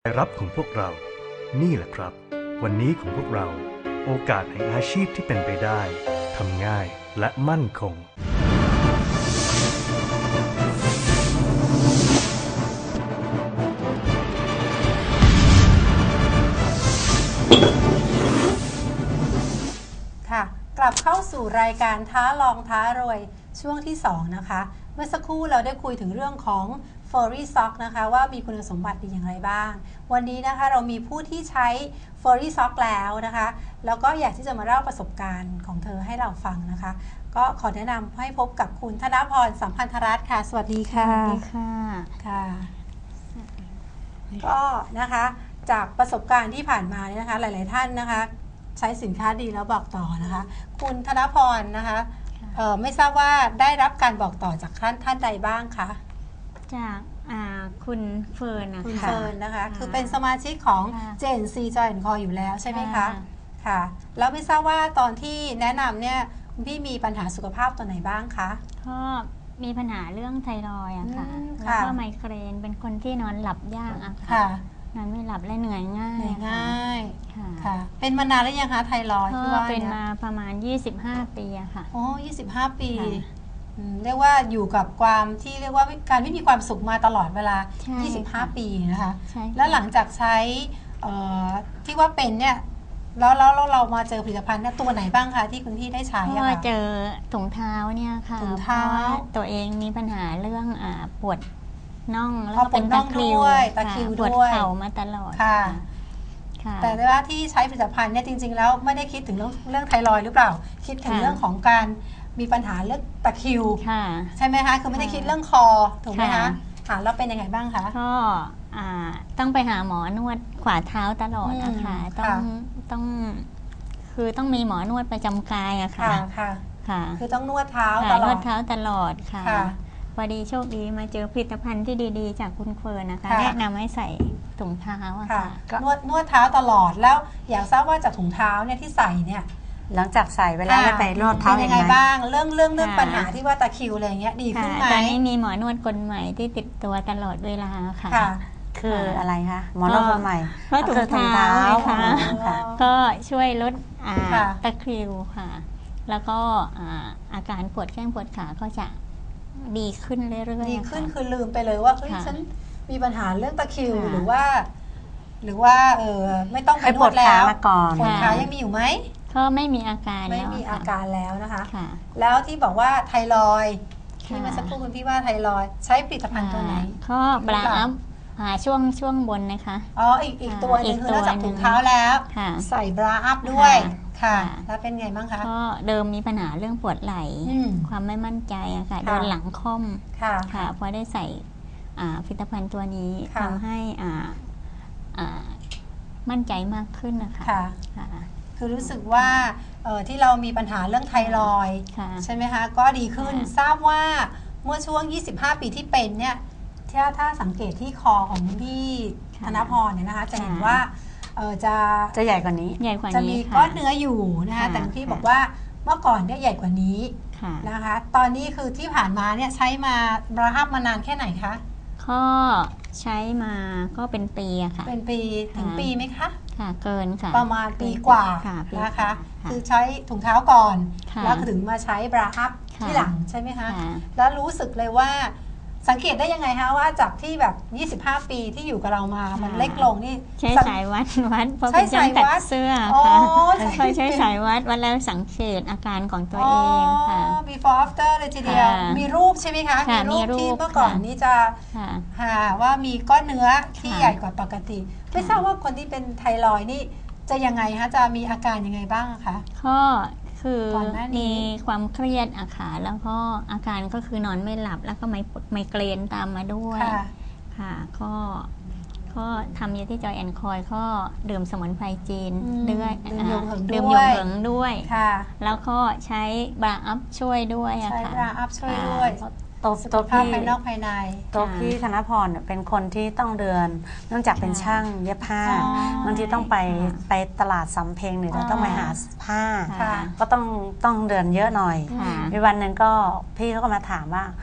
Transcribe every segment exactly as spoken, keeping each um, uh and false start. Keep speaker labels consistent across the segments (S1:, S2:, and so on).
S1: รายรับของพวกเรานี่แหละครับวันนี้ของพวกเราโอกาสแห่งอาชีพที่เป็นไปได้ทำง่ายและมั่นคง
S2: ค่ะกลับเข้าสู่รายการท้าลองท้ารวยช่วงที่สองนะคะเมื่อสักครู่เราได้คุยถึงเรื่องของFurry Sock นะคะว่ามีคุณสมบัติดีอย่างไรบ้างวันนี้นะคะเรามีผู้ที่ใช้ Furry Sock แล้วนะคะแล้วก็อยากที่จะมาเล่าประสบการณ์ของเธอให้เราฟังนะคะก็ขอแนะนำให้พบกับคุณธนพรสัมพันธรัตน์ค่ะสวัสดีค่ะ
S3: สวัสดีค่ะ
S2: ค่ะก็นะคะจากประสบการณ์ที่ผ่านมาเนี่ยนะคะหลายๆท่านนะคะใช้สินค้าดีแล้วบอกต่อนะคะคุณธนพรนะคะไม่ทราบว่าได้รับการบอกต่อจากท่านท่านใดบ้างคะ
S3: จากคุณเฟิร์นนะคะ
S2: คุณเฟิร์นนะคะคือเป็นสมาชิกของ เจ เอ็น ซี Joy แอนด์ Co อยู่แล้วใช่ไหมคะค่ะแล้วไม่ทราบว่าตอนที่แนะนำเนี่ยคุณพี่มีปัญหาสุขภาพตัวไหนบ้างคะ
S3: ก็มีปัญหาเรื่องไทรอยด์อะค่ะแล้วก็ไมเกรนเป็นคนที่นอนหลับยากอะค่ะนอนไม่หลับและเหนื่อยง่าย
S2: เหนื่อยง่ายค่ะเป็นมานานแล้วยังคะไทรอยด์ที่ว่า
S3: เป็นมาประมาณยี่สิบห้าปีอะค่ะ
S2: โอ้ยี่สิบห้าปีเรียกว่าอยู่กับความที่เรียกว่าการไม่มีความสุขมาตลอดเวลายี่สิบห้าปีนะคะแล้วหลังจากใช้ที่ว่าเป็นเนี่ยแล้วแล้วเรามาเจอผลิตภัณฑ์เนี่ยตัวไหนบ้างคะที่คุณพี่ได้ใช้
S3: ก็เจอถุงเท้าเนี่ยค่ะ
S2: ถุงเท้า
S3: ตัวเองมีปัญหาเรื่องปวดน่องแล้วก็เป็นตะคริว
S2: ตะคริว
S3: ปวดเข่ามาตลอด
S2: ค่ะแต่ว่าที่ใช้ผลิตภัณฑ์เนี่ยจริงๆแล้วไม่ได้คิดถึงเรื่องเรื่องไทรอยด์หรือเปล่าคิดถึงเรื่องของการมีปัญหาเรื่องตะคริวใช่ไหมคะคือไม่ได้คิดเรื่องคอถูกไหมคะค่ะแล้วเป็นยังไงบ้างคะ
S3: ก็ต้องไปหาหมอนวดขวาเท้าตลอดนะคะต้องต้องคือต้องมีหมอนวดประจำกายอะค่ะ
S2: ค่ะค่ะคือต้องนวดเท้าตลอด
S3: นวดเท้าตลอดค่ะพอดีโชคดีมาเจอผลิตภัณฑ์ที่ดีๆจากคุณเฟิร์นนะคะแนะนำให้ใส่ถุงเท้าอะค่ะ
S2: นวดนวดเท้าตลอดแล้วอยากทราบว่าจากถุงเท้าเนี่ยที่ใส่เนี่ย
S4: หลังจากใส่เวลาไปนวดเท้า
S2: ยังไงบ้างเรื่องเรื่องเรื่องปัญหาที่ว่าตะคริวอะไรเงี้ยดีขึ้นไหม
S3: ตอนนี้มีหมอนวดคนใหม่ที่ติดตัวตลอดเวลาค่ะ
S4: คืออะไรคะหมอนวดคนใหม่
S3: ก็ถุงเท้าค่ะก็ช่วยลดตะคริวค่ะแล้วก็อาการปวดแข้งปวดขาก็จะดีขึ้นเรื่อยๆ
S2: ดีขึ้นคือลืมไปเลยว่าเฮ้ยฉันมีปัญหาเรื่องตะคริวหรือว่าหรือว่าเออไม่ต้องไปนวดแล้วปวดขายังมีอยู่ไหม
S3: ก็ไม่มีอาการ
S2: ไม่มีอาการแล้วนะคะแล้วที่บอกว่าไทรอยด์ที่เมื่อสักครู่คุณพี่ว่าไทรอยด์ใช้ผลิตภัณฑ์ตัวไหน
S3: ก็บราอัพช่วงช่วงบนนะคะ
S2: อ๋ออีกอีกตัวนึงคือนอกจากถุงเท้าแล้วใส่บราอัพด้วยค่ะแล้วเป็นไงบ้างคะ
S3: ก็เดิมมีปัญหาเรื่องปวดไหล่ความไม่มั่นใจอะค่ะโดนหลังค่อมค่ะพอได้ใส่ผลิตภัณฑ์ตัวนี้ทำให้มั่นใจมากขึ้นนะคะ
S2: คือรู้สึกว่าที่เรามีปัญหาเรื่องไทรอยด์ใช่ไหมคะก็ดีขึ้นทราบว่าเมื่อช่วงยี่สิบห้าปีที่เป็นเนี่ยถ้าถ้าสังเกตที่คอของพี่ธนพรเนี่ยนะคะจะเห็นว่าจะ
S4: จะใหญ่กว่านี้
S3: ใหญ่กว่านี้
S2: จะมีก้อนเนื้ออยู่นะคะแต่พี่บอกว่าเมื่อก่อนเนี่ยใหญ่กว่านี้นะคะตอนนี้คือที่ผ่านมาเนี่ยใช้มาบราฮับมานานแค่ไหนคะ
S3: ก็ใช้มาก็เป็นปีอะค่ะ
S2: เป็นปีถึงปีไหมคะ
S3: ค่ะเกินค่ะ
S2: ประมาณปีกว่านะคะคือใช้ถุงเท้าก่อนแล้วถึงมาใช้บราฮับที่หลังใช่ไหมคะแล้วรู้สึกเลยว่าสังเกตได้ยังไงคะว่าจากที่แบบยี่สิบห้าปีที่อยู่กับเรามามันเล็กลงนี่
S3: ใช้สายวัดวัดเพราะเป็นช่างตัดเสื้อค่ะค่อยใช้สายวัดวัดแล้วสังเกตอาการของตัวเองค่ะ
S2: before after เลยทีเดียวมีรูปใช่ไหมคะมีรูปที่เมื่อก่อนนี้จะหาว่ามีก้อนเนื้อที่ใหญ่กว่าปกติไม่ทราบว่าคนที่เป็นไทรอยด์นี่จะยังไงคะจะมีอาการยังไงบ้างคะ
S3: ก็คือมีความเครียดอะค่ะแล้วก็อาการก็คือนอนไม่หลับแล้วก็ไมไมเกรนตามมาด้วยค่ะก็ก็ทำอยู่ที่จอยแอนคอยก็ดื่มสมุนไพรจีนด้วยดื่มยงเหิงด้วยแล้วก็ใช้บราอัพช่วยด้วยอะค่ะ
S2: ใช้บราอัพช่วยด้วย
S4: ตัวตัวพี่
S2: ภายนอกภายใน
S4: ตัวพี่ธนพรเป็นคนที่ต้องเดินเนื่องจากเป็นช่างเย็บผ้าบางทีต้องไปไปตลาดสำเพ็งหรือต้องไปหาผ้าก็ต้องต้องเดินเยอะหน่อยมีวันหนึ่งก็พี่เขาก็มาถามว่าพ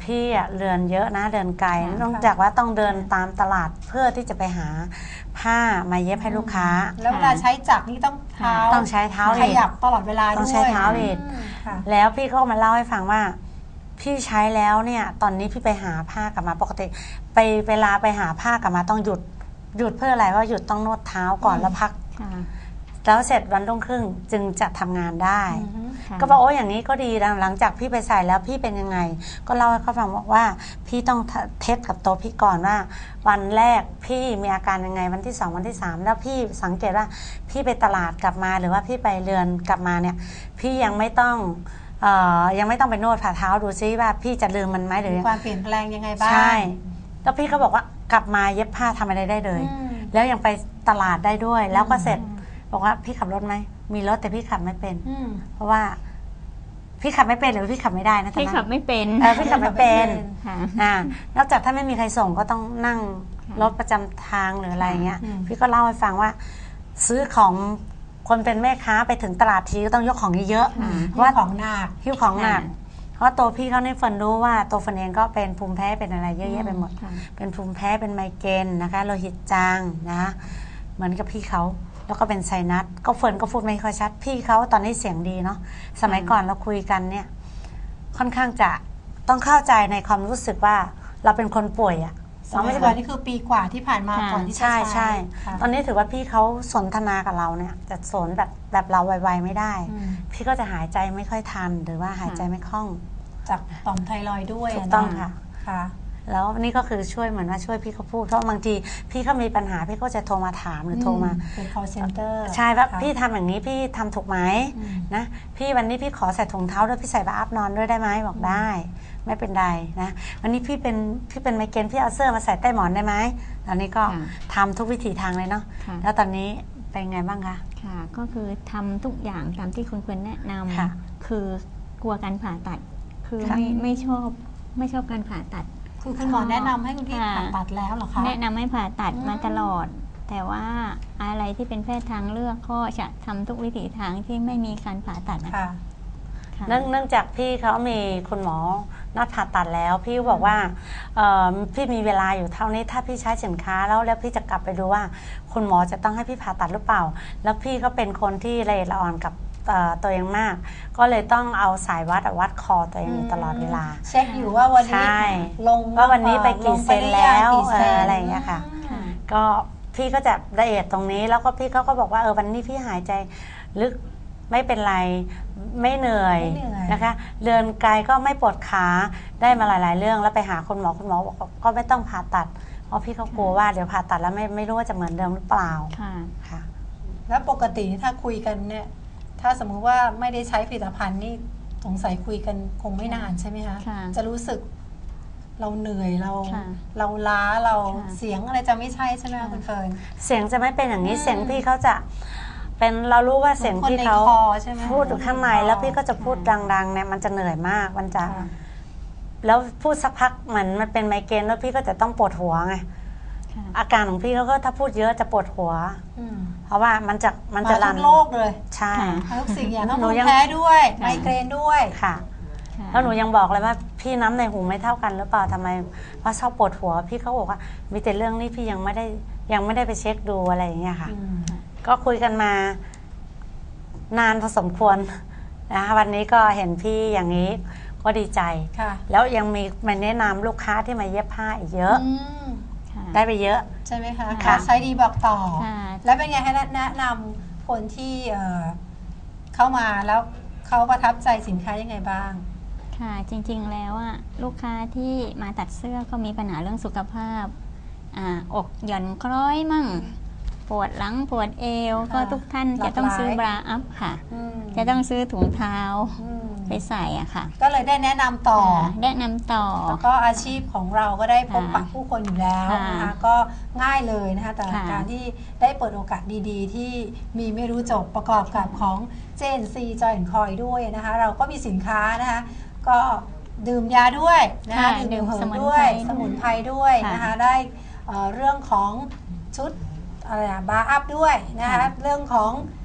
S4: พี่อะเดินเยอะนะเดินไกล
S3: ค่ะ
S4: นอกจากว่าต้องเดินตามตลาดเพื่อที่จะไปหาผ้ามาเย็บให้ลูกค้า
S2: แล้วเวลาใช้จักรนี่ต้องเท้า
S4: ต้องใช้เท้า
S2: ข
S4: เอง
S2: ยับตลอดเวลาด้วย
S4: ต้องใช้เท้าเอง
S2: อืมค่ะ
S4: แล้วพี่ก็มาเล่าให้ฟังว่า พี่ใช้แล้วเนี่ยตอนนี้พี่ไปหาผ้ากลับมาปกติ ไปเวลาไปหาผ้ากลับมาต้องหยุดหยุดเพื่ออะไรว่าหยุดต้องนวดเท้าก่อน
S2: อืม
S4: แล้วพัก
S3: ค่ะ
S4: แล้วเสร็จวันรุ่งขึ้นจึงจะทำงานได้
S2: อือฮึ
S3: ค่ะ
S4: ก็บอกโอ้อย่างนี้ก็ดีนะหลังจากพี่ไปใส่แล้วพี่เป็นยังไง ก็เล่าให้เขาฟังบอกว่าพี่ต้องเทสกับตัวพี่ก่อนว่า วันแรกพี่มีอาการยังไงวันที่สองวันที่สามแล้วพี่สังเกตว่าพี่ไปตลาดกลับมาหรือว่าพี่ไปเรือนกลับมาเนี่ย พี่ยังไม่ต้องเอ่อยังไม่ต้องไปนวดฝ่าเท้าดูซิว่าพี่จะลืมมันไหมหรือ
S2: มีความเปลี่ยนแปลงยังไงบ้าง
S4: ใช่ แล้วพี่ก็บอกว่ากลับมาเย็บผ้าทำอะไรได้เลย
S2: อืม
S4: แล้วยังไปตลาดได้ด้วย แล้วก็เสร็จบอกว่าพี่ขับรถไหมมีรถแต่พี่ขับไม่เป็น
S2: อืม
S4: เพราะว่า พี่ขับไม่เป็นหรือพี่ขับไม่ได้นะตอน
S3: พี่
S4: นั้น
S3: ขับไม่เป็น
S4: เออพี่ขับไม่เป็น
S3: ค่ะ
S4: อ่านอกจากถ้าไม่มีใครส่งก็ต้องนั่งรถประจำทางหรืออะไรเงี้ย
S2: อืม
S4: พี่ก็เล่าให้ฟังว่า ซื้อของคนเป็นแม่ค้าไปถึงตลาดทีก็ต้องยกของเยอะ
S3: ค่ะ
S4: ๆเพ
S2: เพ
S4: ราะ
S2: ราะ
S4: ว่า
S2: ของหนัก
S4: หิ้วของหนัก
S3: ค่ะ
S4: เพราะตัวพี่เขาในฝันรู้ว่าตัวฝันเองก็เป็นภูมิแพ้เป็นอะไรเยอะแยะไปหมด
S3: ค่ะ
S4: เป็นภูมิแพ้เป็นไมเกรนนะคะโลหิตจางนะคะเหมือนกับพี่เขาแล้วก็เป็นไซนัสก็เฟิร์นก็พูดไม่ค่อยชัด พี่เขาตอนนี้เสียงดีเนาะสมัยก่อนเราคุยกันเนี่ย ค่อนข้างจะต้องเข้าใจในความรู้สึกว่าเราเป็นคนป่วยอะ
S2: ส
S4: เรา
S2: มั
S4: ไม่
S2: ย
S4: ใช่
S2: ก่อน
S4: แบบ
S2: นี่คือปีกว่าที่ผ่านมา
S3: ค่ะ
S2: ก่อนที่จะ
S4: ใช่ใช่
S2: ค่ะ
S4: ตอนนี้ถือว่าพี่เขาสนทนากับเราเนี่ยจะสนแบบแบบเราไวๆไม่ได้
S2: อืม
S4: พี่ก็จะหายใจไม่ค่อยทันหรือว่าหายใจไม่คล่อง
S2: จากต่อมไทรอยด์ด้วย
S4: ถูกต้อง
S2: น
S4: ค่ะ
S2: ค่ะ
S4: แล้วนี่ก็คือช่วยเหมือนว่าช่วยพี่เขาพูดเพราะบางทีพี่เขามีปัญหาพี่ก็จะโทรมาถามหรือโทรมา
S2: เป็น call center
S4: ใช่ว่า
S2: ค่ะ
S4: พี่ทำอย่างนี้พี่ทำถูกไหม
S2: อืม
S4: นะพี่วันนี้พี่ขอใส่ถุงเท้าด้วยพี่ใส่บาอัพนอนด้วยได้ไหมบอกได้ ไม่เป็นไรนะวันนี้พี่เป็นพี่เป็นไมเกรนพี่เอาเสื้อมาใส่ใต้หมอนได้ไหมตอนนี้ก็
S3: ค่ะ
S4: ทำทุกวิถีทางเลยเนาะ
S3: ค่ะ
S4: แล้วตอนนี้เป็นไงบ้างคะ
S3: ค่ะ ก็คือทำทุกอย่างตามที่คุณเฟิร์นแนะน
S4: ค่ะ
S3: ำคือกลัวการผ่าตัด คือ
S4: ค่ะ
S3: ไม่ไม่ชอบไม่ชอบการผ่าตัด
S2: คือคุณหมอแนะนำให้คุณพี่
S3: ค่ะ
S2: ผ่าตัดแล้วเหรอคะ
S3: แนะนำให้ผ่าตัด
S2: อืม
S3: มาตลอด แต่ว่าอะไรที่เป็นแพทย์ทางเลือกก็จะทำทุกวิถีทางที่ไม่มีการผ่าตัดนะ
S2: ค่ะ
S3: ค่ะ
S4: เนื่องเนื่องจากพี่เขามีคุณหมอนัดผ่าตัดแล้ว พี่บอกว่าเอ่อพี่มีเวลาอยู่เท่านี้ถ้าพี่ใช้สินค้าแล้วแล้วพี่จะกลับไปดูว่า คุณหมอจะต้องให้พี่ผ่าตัดหรือเปล่า แล้วพี่ก็เป็นคนที่ละเอียดละอ่อนกับเอ่อตัวเองมาก ก็เลยต้องเอาสายวัดอะวัดคอตัวเองอยู่ตลอดเวลา
S2: เช็คอยู่ว่าวันนี้
S4: ใช่
S2: ลง
S4: ว่าวันนี้ไปกี่เซนแล้ว
S2: ลงไปหรือยังกี่ซน
S4: เอออะไรอย่างเงี้ยค่ะ
S3: ค่ะ
S4: ก็พี่ก็จะละเอียดตรงนี้แล้วก็พี่เขาก็บอกว่าเออวันนี้พี่หายใจลึกไม่เป็นไรไม่เหนื่อย
S2: ไม่เหนื่อย
S4: นะคะเดินไกลก็ไม่ปวดขาได้มาหลาย ๆ เรื่องแล้วไปหาคุณหมอคุณหมอบอกก็ไม่ต้องผ่าตัดเพราะพี่เขากลัวว่าเดี๋ยวผ่าตัดแล้วไม่ไม่รู้ว่าจะเหมือนเดิมหรือเปล่า
S3: ค่ะ
S4: ค่ะ
S2: แล้วปกติถ้าคุยกันเนี่ย ถ้าสมมุติว่าไม่ได้ใช้ผลิตภัณฑ์นี่สงสัยคุยกันคงไม่นานใช่ไหมคะ
S3: ค่ะ
S2: จะรู้สึกเราเหนื่อยเรา
S3: ค่ะ
S2: เราล้าเรา
S3: ค่ะ
S2: เสียงอะไรจะไม่ใช่ใช่ไหมคะ
S3: ค่ะ
S2: คุณเฟิร์น
S4: เสียงจะไม่เป็นอย่างนี้
S2: อืม
S4: เสียงพี่เขาจะเป็นเรารู้ว่าเสียง
S2: เหมือนคน
S4: พี่
S2: ใน
S4: เขา
S2: คอใช่ไหม
S4: พูดอยู่ข้างใน
S2: ในคอ
S4: แล้วพี่ก็จะพูดดัง ๆ เนี่ยมันจะเหนื่อยมากมันจะ
S2: ค่ะ
S4: แล้วพูดสักพักเหมือนมันเป็นไมเกรนแล้วพี่ก็จะต้องปวดหัวไง
S3: ค่ะ
S4: อาการของพี่เขาก็ถ้าพูดเยอะจะปวดหัว
S2: อืม
S4: เพราะว่ามันจะมัน
S2: มา
S4: จะ
S2: ทุ
S4: รัน
S2: กโรคเลย
S4: ใช่
S3: ค่ะ
S2: มาทุกสิ่งอย่างทั้ง
S4: หนู
S2: ภูมิ
S4: ยัง
S2: แพ้ด้วย
S3: ค่ะ
S2: ไมเกรนด้วย
S4: ค่ะ
S3: ค่ะ
S4: แล้วหนูยังบอกเลยว่าพี่น้ำในหูไม่เท่ากันหรือเปล่าทำไมว่าชอบปวดหัว พี่เขาบอกว่ามีแต่เรื่องนี้พี่ยังไม่ได้ยังไม่ได้ไปเช็คดูอะไรอย่างเงี้ยค่ะ
S2: อืม
S4: ก็คุยกันมานานพอสมควรนะคะวันนี้ก็เห็นพี่อย่างนี้ก็ดีใจ
S2: ค่ะ
S4: แล้วยังมีมาแนะนำลูกค้าที่มาเย็บผ้าอีกเยอะ
S2: อืม
S3: ค่ะ
S4: ได้ไปเยอะ
S2: ใช่ไหมคะ
S3: ค่ะ
S2: ใช้ดีบอกต่อ
S3: ค่ะ
S2: แล้วเป็นไงให้แนะนำคนที่เอ่อเข้ามาแล้วเขาประทับใจสินค้ายังไงบ้าง
S3: ค่ะจริงๆแล้วอะลูกค้าที่มาตัดเสื้อก็มีปัญหาเรื่องสุขภาพอ่าอกหย่อนคล้อยมั่ง ปวดหลังปวดเอว
S2: ค่ะ
S3: ก็ทุกท่าน
S2: หลาก
S3: จะต้องซื้อ
S2: หลาย
S3: บราอัพค่ะ
S2: อืม
S3: จะต้องซื้อถุงเท้า
S2: อืม
S3: ไปใส่อะค่ะ
S2: ก็เลยได้แนะนำต่อ
S3: ค่ะแนะนำต่อ
S2: แล้วก็อาชีพของเราก็ได้พบปะ
S3: ค่ะ
S2: ผู้คนอยู่แล้ว
S3: ค่ะ
S2: นะคะก็ง่ายเลยนะคะแต่
S3: ค่ะ
S2: การที่ได้เปิดโอกาสดีๆ ที่มีไม่รู้จบประกอบกับของ เจ เอ็น ซี Joy แอนด์ Coy ด้วยนะคะเราก็มีสินค้านะคะก็ดื่มยาด้วยนะคะ
S3: ค่ะ
S2: ดื่ม
S3: ดื่ม
S2: เหิ
S3: ส
S2: ม
S3: มุน
S2: ด้วย
S3: ไพร
S2: สมุนไพรด้วย
S3: ค่ะ
S2: นะคะได้เอ่อเรื่องของชุดอะไรอะบาร์อัพด้วยนะคะ
S3: ค่ะ
S2: เรื่องของ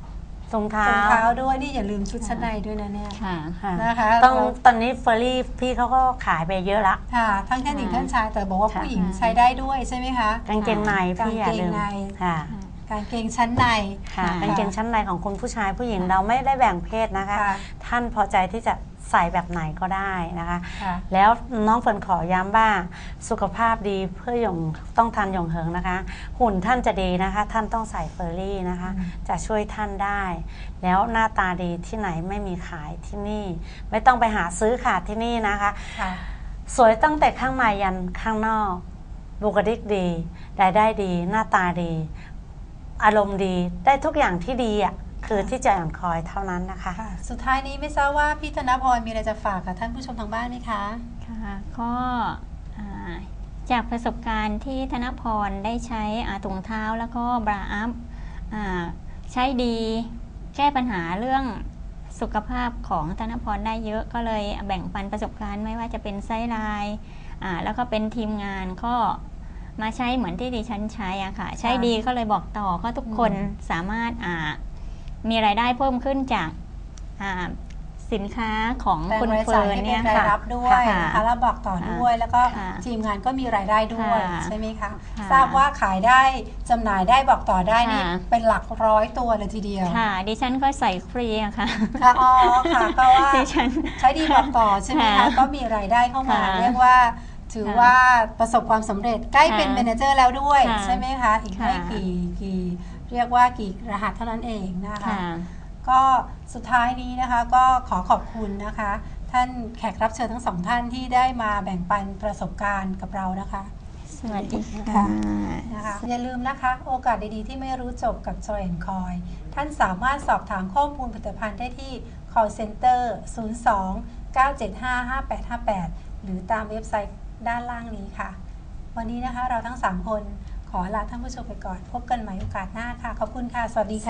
S4: รองเท้า
S2: รองเท้าด้วยนี่อย่าลืมชุดชั้นในด้วยนะเนี่ย
S3: ค่ะ
S4: ค่ะ
S2: นะคะ
S4: ต้อง
S2: เรา
S4: ตอนนี้เฟอร์รี่พี่เขาก็ขายไปเยอะละ
S2: ค่ะทั้งท่านหญิงท่านชายแต่บอกว่า
S4: ค่ะ
S2: ผู้หญิงใช้ได้ด้วยใช่ไหมคะ
S4: กางเกงในพี่อย่าลืม
S2: กางเกงใน
S4: ค่ะ
S2: กางเกงชั้นใน
S4: ค่ะ
S3: ค่ะ
S4: กางเกงชั้นในของคุณผู้ชายผู้หญิงเราไม่ได้แบ่งเพศนะคะ
S2: ค่ะ
S4: ท่านพอใจที่จะใส่แบบไหนก็ได้นะคะ
S2: ค่ะ
S4: แล้วน้องเฟิร์นขอย้ำว่าสุขภาพดีเพื่อหยงต้องทานหยงเหิงนะคะ หุ่นท่านจะดีนะคะ ท่านต้องใส่เฟอร์รี่นะคะ
S2: อืม
S4: จะช่วยท่านได้ แล้วหน้าตาดีที่ไหนไม่มีขายที่นี่ ไม่ต้องไปหาซื้อขาดที่นี่นะคะ
S2: ค่ะ
S4: สวยตั้งแต่ข้างในยันข้างนอก บุคลิกดีรายได้ดี หน้าตาดี อารมณ์ดีได้ทุกอย่างที่ดีอ่ะคือที่จะอ่อนคอยเท่านั้นนะคะ
S2: ค่ะ สุดท้ายนี้ไม่ทราบว่าพี่ธนพรมีอะไรจะฝากกับท่านผู้ชมทางบ้านไหมคะ
S3: ค่ะก็อ่าจากประสบการณ์ที่ธนพรได้ใช้อ่าถุงเท้าแล้วก็บราอัพอ่าใช้ดีแก้ปัญหาเรื่องสุขภาพของธนพรได้เยอะก็เลยแบ่งปันประสบการณ์ไม่ว่าจะเป็นไซส์ไลน์อ่าแล้วก็เป็นทีมงานก็มาใช้เหมือนที่ดิฉันใช้อะค่ะใช้ดีก็เลยบอกต่อก็ทุกคนสามารถอ่ามีรายได้เพิ่มขึ้นจากอ่าสินค้าของ
S2: แปลง
S3: คุณ
S2: ราย
S3: เฟิ
S2: จ่าย
S3: ร์น
S2: ให้เป็
S3: เนี่ย
S2: นราย
S3: ค่ะ
S2: รับด้วย
S3: ค่ะ
S2: นะคะแล้วบอกต่อด้วยแล้วก็
S3: ค่ะ
S2: ทีมงานก็มีรายได้ด้วย
S3: ค่ะ
S2: ใช่ไหมคะ
S3: ค่ะ
S2: ทราบว่าขายได้จำหน่ายได้บอกต่อได้นี่
S3: ค่ะ
S2: เป็นหลักร้อยตัวเลยทีเดียว
S3: ค่ะ ดิฉันก็ใส่ฟรีอะค่ะ
S2: ค่ะอ๋อค่ะก็ว่า
S3: ดิฉัน
S2: ใช้ดีบอกต่อใช่ไหมคะ
S3: ค่ะ
S2: ก็มีรายได้เข้ามา
S3: ค่ะ
S2: เรียกว่าถือ
S3: ค่ะ
S2: ว่าประสบความสำเร็จใกล้เป็น
S3: ค่ะ
S2: เมเนเจอร์แล้วด้วย
S3: ค่ะ
S2: ใช่ไหมคะอีกไม่
S3: ค่ะ
S2: กี่กี่เรียกว่ากี่รหัสเท่านั้นเองนะคะ
S3: ค่ะ
S2: ก็สุดท้ายนี้นะคะก็ขอขอบคุณนะคะ ท่านแขกรับเชิญทั้งสองท่านที่ได้มาแบ่งปันประสบการณ์กับเรานะคะ
S3: สวัสดี
S2: ค่ะ
S3: ค่ะ
S2: นะคะอย่าลืมนะคะ โอกาสดีๆที่ไม่รู้จบกับ Joy แอนด์ Coy ท่านสามารถสอบถามข้อมูลผลิตภัณฑ์ได้ที่ call center ศูนย์ สอง เก้า เจ็ด ห้า ห้า แปด ห้า แปด หรือตามเว็บไซต์ด้านล่างนี้ค่ะ วันนี้นะคะเราทั้งสามคนขอลาท่านผู้ชมไปก่อนพบกันใหม่โอกาสหน้าค่ะ ขอบคุณค่ะ สวัสดีค่ะ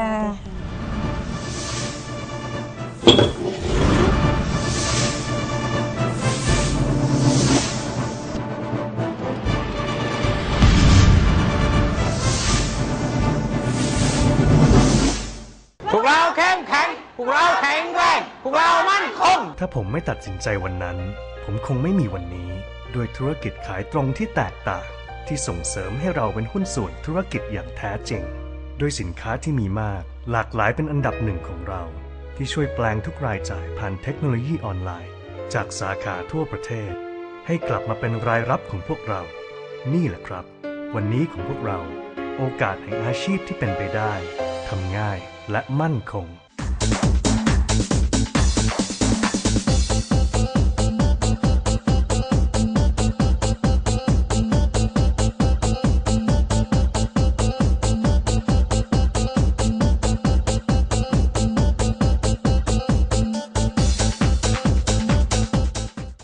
S5: พวกเราเข้มแข็ง พวกเราแข็งแรง พวกเรามั่นคง
S1: ถ้าผมไม่ตัดสินใจวันนั้น ผมคงไม่มีวันนี้ ด้วยธุรกิจขายตรงที่แตกต่าง ที่ส่งเสริมให้เราเป็นหุ้นส่วนธุรกิจอย่างแท้จริง ด้วยสินค้าที่มีมาก หลากหลายเป็นอันดับหนึ่งของเรา ที่ช่วยแปลงทุกรายจ่ายผ่านเทคโนโลยีออนไลน์ จากสาขาทั่วประเทศ ให้กลับมาเป็นรายรับของพวกเรา นี่แหละครับ วันนี้ของพวกเรา โอกาสแห่งอาชีพที่เป็นไปได้ทำง่ายและมั่นคง